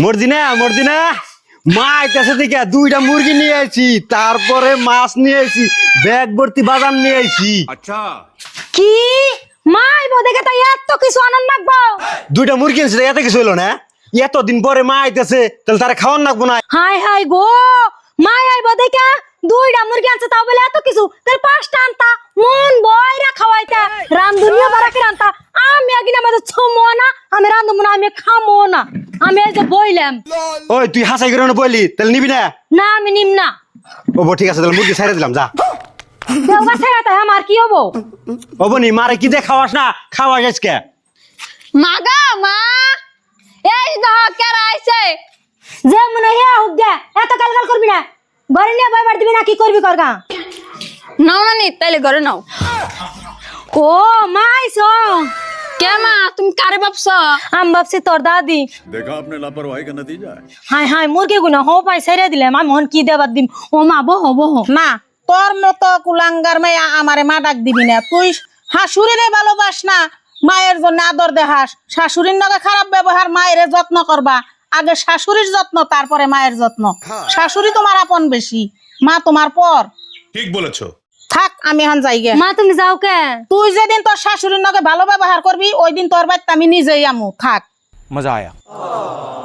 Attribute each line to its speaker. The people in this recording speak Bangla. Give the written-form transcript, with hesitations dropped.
Speaker 1: মর্জিনা মা আইতাছে থেকে 2টা মুরগি নিয়ে আইছি, তারপরে মাছ নিয়ে আইছি, ব্যাগ ভর্তি বাদাম নিয়ে আইছি।
Speaker 2: আচ্ছা
Speaker 3: কি মা আইবো দেখে তাই এত কিছু আনন্দ নাকবো?
Speaker 1: 2টা মুরগি আনছি, এত কিছু হইলো না? এতদিন পরে মা আইতাছে, তাহলে তারা খাওয়ান লাগবো না?
Speaker 3: হাই হাই গো, মা আইবো দেখে 2টা মুরগি আনছে, তাও বলে এত কিছু, তাহলে 5টা আনতা, মন বয়রা খাওয়াইতা, রান্ধুনিও বারাকে রান্তা। আমি আগে আমাদের ছমো না, আমি রান্ধবো না, আমি খামো না, আমি এই যে বইলাম।
Speaker 1: ওই তুই হাসাই করে না বললি, তাহলে নিবি না?
Speaker 3: না আমি নিম না।
Speaker 1: ঠিক আছে, তাহলে মুরগি ছেড়ে দিলাম, যা।
Speaker 3: দেওগা ছেড়াতে আমার কি হবো?
Speaker 1: নি মারে কি দিয়ে খাওয়াস না, খাওয়াস আজকে।
Speaker 4: মাগা মা এই দহ কেরা আইছে
Speaker 3: যে মনে হে হোক গে, এত কালকাল করবি না, ঘরে নিয়ে বই বার দিবি না, কি করবি করগা?
Speaker 4: নাও না নি তাইলে ঘরে নাও।
Speaker 3: ও মা আইছো?
Speaker 4: কে মা তুমি কারে ভাবছ?
Speaker 3: আমি ভাবছি তোর দাদি।
Speaker 2: देखा आपने लापरवाही का नतीजा है।
Speaker 3: হাই হাই মুরগি গুনা হো পাই ছেড়ে দিলাম, আমি মন কি দেবার দিম। ও মা বহ বহ।
Speaker 5: না তোর মতো কুলাঙ্গার মেয়ে আমারে মা ডাক দিবি না। তুই শাশুড়িরে ভালোবাস না, মায়ের জন্য আদর দেখাস, শাশুড়ির নাকি খারাপ ব্যবহার, মায়ের যত্ন করবা, আগে শাশুড়ির যত্ন তারপরে মায়ের যত্ন। শাশুড়ি তোমার আপন বেশি, মা তোমার পর।
Speaker 2: ठीक बोलेছো।
Speaker 5: থাক আমি এখন যাই গে।
Speaker 3: মা তুমি যাও কে?
Speaker 5: তুই যেদিন তোর শাশুড়ির নাকি ভালো ব্যবহার করবি, ওই দিন তোর বাড়িতে আমি নিজেই আমু। থাক।
Speaker 1: মজা আয়া।